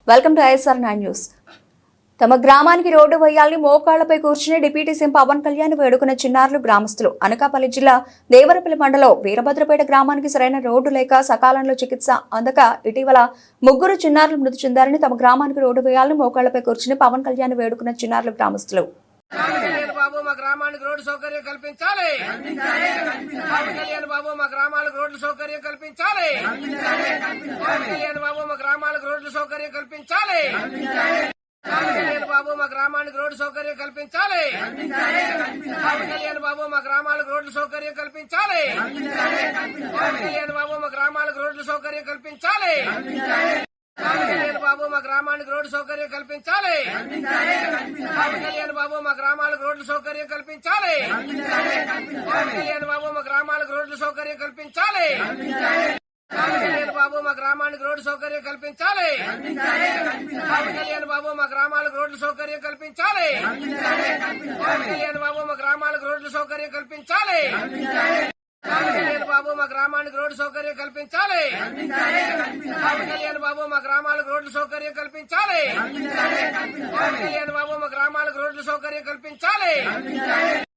Welcome to ISR9 news. తమ గ్రామానికి road వేయాలని మోకాళ్లపై కూర్చుని డిప్యూటీ సీఎం పవన్ కళ్యాణ్ వేడుకున్న చిన్నారులు గ్రామస్తులు. అనకాపల్లి జిల్లా దేవరపల్లి మండలం వీరభద్రపేట గ్రామానికి సరైన రోడ్డు లేక సకాలంలో చికిత్స అందక ఇటీవల ముగ్గురు చిన్నారులు మృతి చెందారని తమ గ్రామానికి రోడ్డు వేయాలని మోకాళ్లపై కూర్చుని పవన్ కళ్యాణ్ వేడుకున్న చిన్నారులు గ్రామస్తులు. బాబు మా గ్రామానికి రోడ్డు సౌకర్యం కల్పించాలి. కళ్యాణ్ బాబు మా గ్రామాలకు రోడ్డు సౌకర్యం కల్పించాలి. కళ్యాణ్ బాబు మా గ్రామాలకు రోడ్డు సౌకర్యం కల్పించాలి. కళ్యాణ్ బాబు మా గ్రామానికి రోడ్డు సౌకర్యం కల్పించాలి. కళ్యాణ్ బాబు మా గ్రామాలకు రోడ్డు సౌకర్యం కల్పించాలి. కళ్యాణ్ బాబు మా గ్రామాలకు రోడ్డు సౌకర్యం కల్పించాలి. కళ్యాణ్ బాబు మా గ్రామానికి రోడ్డు సౌకర్యం కల్పించాలి. కళ్యాణ్ బాబు మా గ్రామాలకు రోడ్డు సౌకర్యం కల్పించాలి. కళ్యాణ్ బాబు మా గ్రామాలకు రోడ్డు సౌకర్యం కల్పించాలి. కళ్యాణ్ బాబు మా గ్రామానికి రోడ్డు సౌకర్యం కల్పించాలి. కళ్యాణ్ బాబు మా గ్రామాలకు రోడ్డు సౌకర్యం కల్పించాలి. కళ్యాణ్ బాబు మా గ్రామాలకు రోడ్డు సౌకర్యం కల్పించాలి. కళ్యాణ్ బాబు మా గ్రామానికి రోడ్డు సౌకర్యం కల్పించాలి. కళ్యాణ్ బాబు మా గ్రామాలకు రోడ్డు సౌకర్యం కల్పించాలి. కళ్యాణ్ బాబు మా గ్రామాలకు రోడ్డు సౌకర్యం కల్పించాలి.